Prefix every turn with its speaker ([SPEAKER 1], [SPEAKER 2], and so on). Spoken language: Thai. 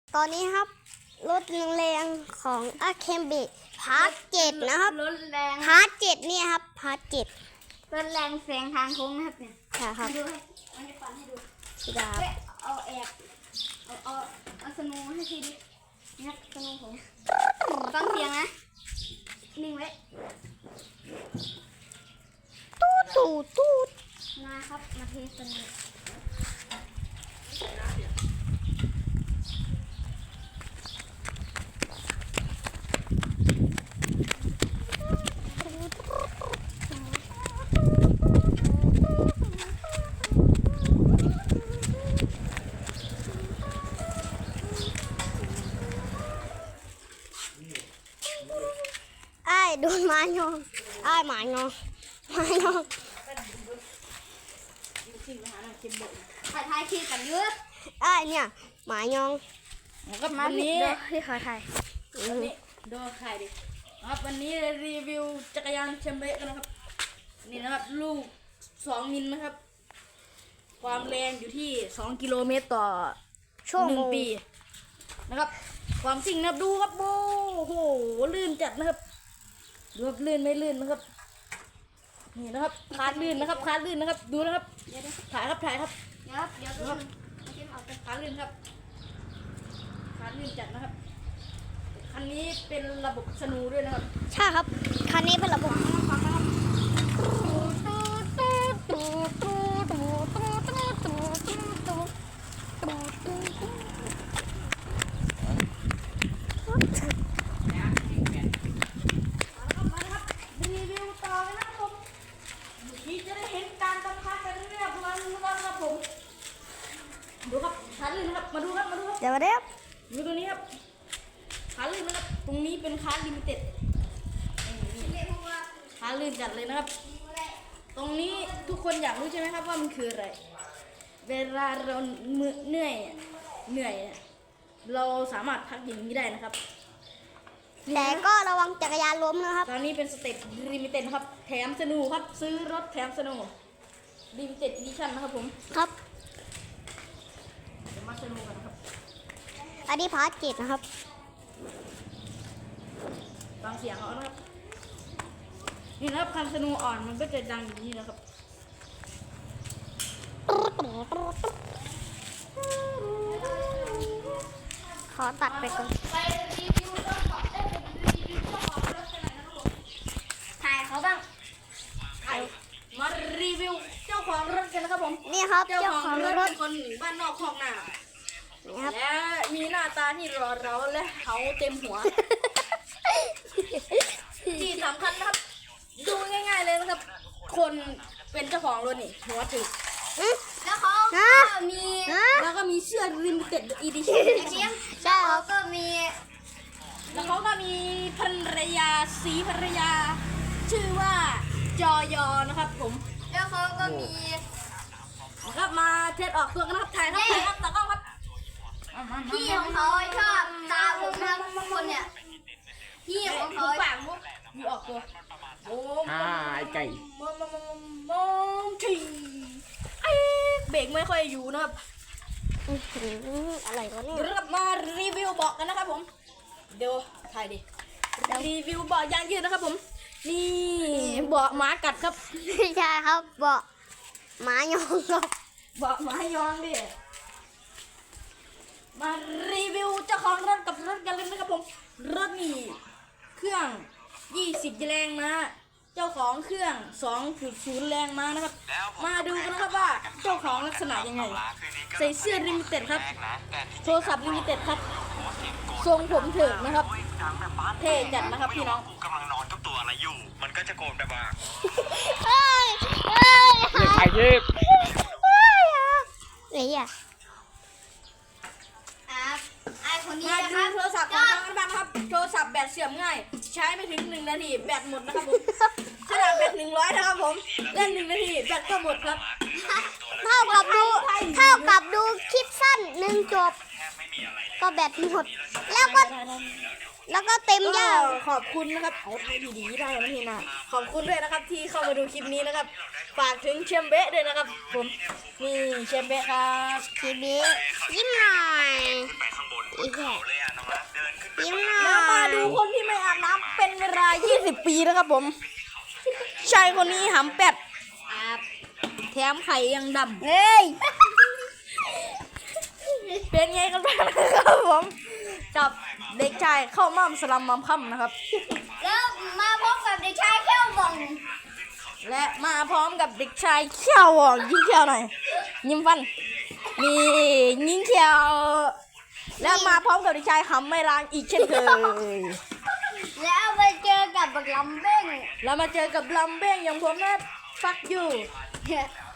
[SPEAKER 1] ตอนนี้ครับรถแรงของอาเคมบิพาร์ท7นะครับ
[SPEAKER 2] รถแรง
[SPEAKER 1] พาร์ท7เนี่ยครับพาร์ท7
[SPEAKER 2] รถแรงแสงทางโค้งนะครับเนี่ย
[SPEAKER 1] ค่ะครับ
[SPEAKER 2] ดูให้มันจะปั่นให้ดู
[SPEAKER 1] สุดา
[SPEAKER 2] เฮ้ยเอาแอบเอาสนูให้ทีดิเนี่ยสนูผมฟังเสียงนะนิ่งไว้
[SPEAKER 1] ตูด
[SPEAKER 2] นะครับมาเทสนู
[SPEAKER 1] ไอ้โดนไม้ยองไอ้หมายองไม้ยอง
[SPEAKER 2] ถ่ายคลิปกันเยอะ
[SPEAKER 1] ไอ้เนี่ยหมายอง
[SPEAKER 3] ครับวันนี้
[SPEAKER 1] ที่เขาถ่าย
[SPEAKER 3] วันนี้ดูใครดิครับวันนี้รีวิวจักรยานแชมเบะกันนะครับนี่นะครับลูก2 มิลนะครับความแรงอยู่ที่2 กิโลเมตรต่อ
[SPEAKER 1] ชั่วโมง
[SPEAKER 3] 1 ปีนะครับความสิ่งนะครับดูครับโอ้โหลื่นจัดนะครับดูครับลื่นไม่ลื่นนะครับนี่นะครับคาดลื่นนะครับคาดลื่นนะครับดูนะครับถ่ายครับถ่ายครับ
[SPEAKER 2] เดี๋ยวเอาคลิปเอาไป
[SPEAKER 3] คาดลื่นครับคาดลื่นจัดนะครับคันนี้เป็นระบบสนูด้วยนะครับ
[SPEAKER 1] ใช่ครับคันนี้เป็นระบบ
[SPEAKER 3] รีวิวต่อเลยนะครับผมนี่จะได้เห็นการบังคับกันเรื่อยๆวันครับผมดูครับขาลื่นนะครับมาดูครับมาดูครับ
[SPEAKER 1] เดี๋ยวมาเดี๋ยว
[SPEAKER 3] ดูตัวนี้ครับขาลื่นนะครับตรงนี้เป็นขาลิมิเต็ดขาลื่นจัดเลยนะครับ ตรงนี้ทุกคนอยากรู้ใช่ไหมครับว่ามันคืออะไร เวลาเราเหนื่อยเนี่ยเราสามารถพักอย่างนี้ได้นะครับ
[SPEAKER 1] แต่ก็ระวังจักรยานล้มนะครับ
[SPEAKER 3] ตอนนี้เป็นสเต็ปลิมิเต็ดครับแถมสนูครับซื้อรถแถมสนูลิมิเต็ดอีดิชั่นนะครับผม
[SPEAKER 1] ครับ
[SPEAKER 3] เดี๋ยวมาสนูกันนะครับ
[SPEAKER 1] อันนี้พาร์ท7นะครับ
[SPEAKER 3] ฟังเสียงเอานะครับนี่นะครับคันสนูอ่อนมันก็จะดังอย่างนี้นะครับ
[SPEAKER 1] ขอตัดไปก่อน
[SPEAKER 3] ไปรีวิวรถก่อนได้เป็นรีวิวเจ้าของรถกันหน่อยนะครับผม
[SPEAKER 2] ถ่ายเขาบ้าง
[SPEAKER 3] มารีวิวเจ้าของรถกันนะครับผม
[SPEAKER 1] นี่ครับเจ้าของรถ
[SPEAKER 3] เป็นคนบ้านนอกคอกนา
[SPEAKER 1] นี่ครับ
[SPEAKER 3] และมีหน้าตาที่รอเราและเขาเต็มหัว ที่สำคัญนะครับ ดูง่ายๆเลยนะครับ คนเป็นเจ้าของรถนี่หัวถึก
[SPEAKER 2] แล้วเขา
[SPEAKER 1] ฮะ
[SPEAKER 2] ก็มี
[SPEAKER 1] ฮะ
[SPEAKER 3] แล้วก็มีเสื้อ limited edition
[SPEAKER 2] เสียง
[SPEAKER 1] ใช่ค
[SPEAKER 2] เขา
[SPEAKER 1] รับ
[SPEAKER 2] ก็มี
[SPEAKER 3] แล้วเขาก็มีภรรยาสีภรรยา ชื่อว่าจอยอนะครับผม
[SPEAKER 2] แล้วเขาก็มี
[SPEAKER 3] นะครับมาเทสออกตัวกันนะครับถ่ายครับถ่ายครับตากล้องครับ
[SPEAKER 2] พี่ของเขาชอบตาผมนะทุกคนเนี่ยพี่ของเขา
[SPEAKER 3] ปากมุกอยู่ออกตัวโอ้
[SPEAKER 4] ไก่
[SPEAKER 3] มองทีเบรกไม่ค่อยอยู่นะครับ
[SPEAKER 1] อะไรวะเนี่ย
[SPEAKER 3] เดี๋ยวเรามารีวิวเบาะกันนะครับผมเดี๋ยวถ่ายดิรีวิวเบาะยางยืดนะครับผมนี่เบาะหมากัดครับ
[SPEAKER 1] ไม่ใช่ครับเบาะหมายองครับ
[SPEAKER 3] เบาะหมายองดิมารีวิวเจ้าของรถกับรถกันเลยนะครับผมรถนี่เครื่อง20แรงม้าเจ้าของเครื่อง 2.0 แรงม้านะครับ มาดูกันนะครับว่าเจ้าของลักษณะยังไงใส่เสื้อลิมิเต็ดครับโทรศัพท์ลิมิเต็ดครับทรงผมเถิกนะครับเท่จัดนะครับพี่น้อง
[SPEAKER 4] กูกำลังนอนกับตัวอะไรอยู่ มันก็จะโกนแบบว่า
[SPEAKER 1] เฮ้ยเฮ้ย
[SPEAKER 4] ไข่ยิบ
[SPEAKER 1] เฮ้ยอ่ะ
[SPEAKER 2] ไอ้คนนี้
[SPEAKER 3] มา
[SPEAKER 2] นะค
[SPEAKER 3] ดู
[SPEAKER 2] รับ
[SPEAKER 3] โทรศัพท์ของทางบ้านครับโทรศัพท์แบตเสื่อมง่าย ใช้ไม่ถึง1 นาทีแบตหมดนะครับผมขนาดแบต100นะครับผมเล่น1 นาทีแบตก็หมดครับ
[SPEAKER 1] เท่ากับดูคลิปสั้น1 จบ ก็แบตหมด แล้วก็เต็ม
[SPEAKER 3] ก็
[SPEAKER 1] ยาว
[SPEAKER 3] ขอบคุณนะครับเอาไทยดีๆได้นะพี่นะขอบคุณด้วยนะครับที่เข้ามาดูคลิปนี้นะครับฝากถึงเชมเบะด้วยนะครับผมนี่เชมเบะครับ
[SPEAKER 1] ทีบียิ้มหน่อย
[SPEAKER 4] ไปข้างบน
[SPEAKER 1] อีกแค่
[SPEAKER 4] เลยอ่ะน้องรักเดินขึ้นไป
[SPEAKER 1] ยิ้มห
[SPEAKER 3] แล้ว
[SPEAKER 1] น่
[SPEAKER 3] มา
[SPEAKER 1] อย
[SPEAKER 3] ดูคนที่ไม่อาบน้ำเป็นเวลา 20 ปีนะครับผมชายคนนี้หำเป็ดแถมไข่ยังด
[SPEAKER 1] เฮ้ย
[SPEAKER 3] ำเป็นไงกันบ้างนะครับผมกับเด็กชายเข้าม่ำสลัมมัมค่ำนะครับ
[SPEAKER 1] แล้วมาพบกับเด็กชายแก้วบอง
[SPEAKER 3] และมาพร้อมกับเด็กชายเขี้ยวอ่ะยิงเขี้ยวหน่อยยิ้มฟันนี่ยิงเขี้ยวและมาพร้อมกับเด็กชายหำไม่ล้างอีกเช่นเคย
[SPEAKER 1] แล้วไปเจอกับบักลำเบ้ง
[SPEAKER 3] แล้วมาเจอกับลำเบ้งอย่างผมนะฟักอยู่